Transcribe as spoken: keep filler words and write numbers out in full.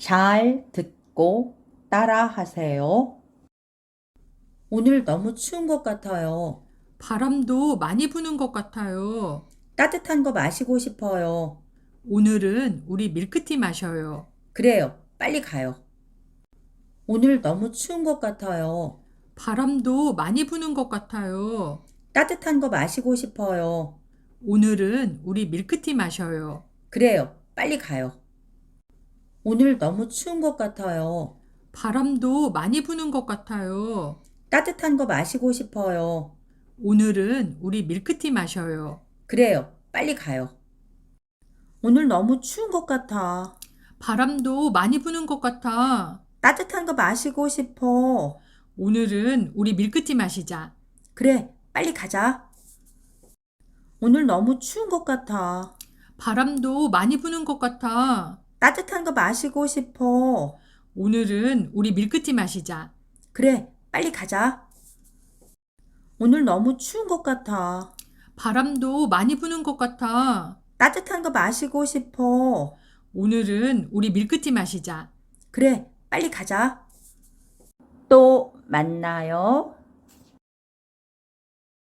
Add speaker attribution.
Speaker 1: 잘 듣고 따라 하세요. 오늘 너무 추운 것 같아요.
Speaker 2: 바람도 많이 부는 것 같아요.
Speaker 1: 따뜻한 거 마시고 싶어요.
Speaker 2: 오늘은 우리 밀크티 마셔요.
Speaker 1: 그래요. 빨리 가요. 오늘 너무 추운 것 같아요.
Speaker 2: 바람도 많이 부는 것 같아요.
Speaker 1: 따뜻한 거 마시고 싶어요.
Speaker 2: 오늘은 우리 밀크티 마셔요.
Speaker 1: 그래요. 빨리 가요. 오늘 너무 추운 것 같아요.
Speaker 2: 바람도 많이 부는 것 같아요.
Speaker 1: 따뜻한 거 마시고 싶어요.
Speaker 2: 오늘은 우리 밀크티 마셔요.
Speaker 1: 그래요. 빨리 가요. 오늘 너무 추운 것 같아.
Speaker 2: 바람도 많이 부는 것 같아.
Speaker 1: 따뜻한 거 마시고 싶어.
Speaker 2: 오늘은 우리 밀크티 마시자.
Speaker 1: 그래. 빨리 가자. 오늘 너무 추운 것 같아.
Speaker 2: 바람도 많이 부는 것 같아.
Speaker 1: 따뜻한 거 마시고 싶어.
Speaker 2: 오늘은 우리 밀크티 마시자.
Speaker 1: 그래. 빨리 가자. 오늘 너무 추운 것 같아.
Speaker 2: 바람도 많이 부는 것 같아.
Speaker 1: 따뜻한 거 마시고 싶어.
Speaker 2: 오늘은 우리 밀크티 마시자.
Speaker 1: 그래. 빨리 가자. 또 만나요.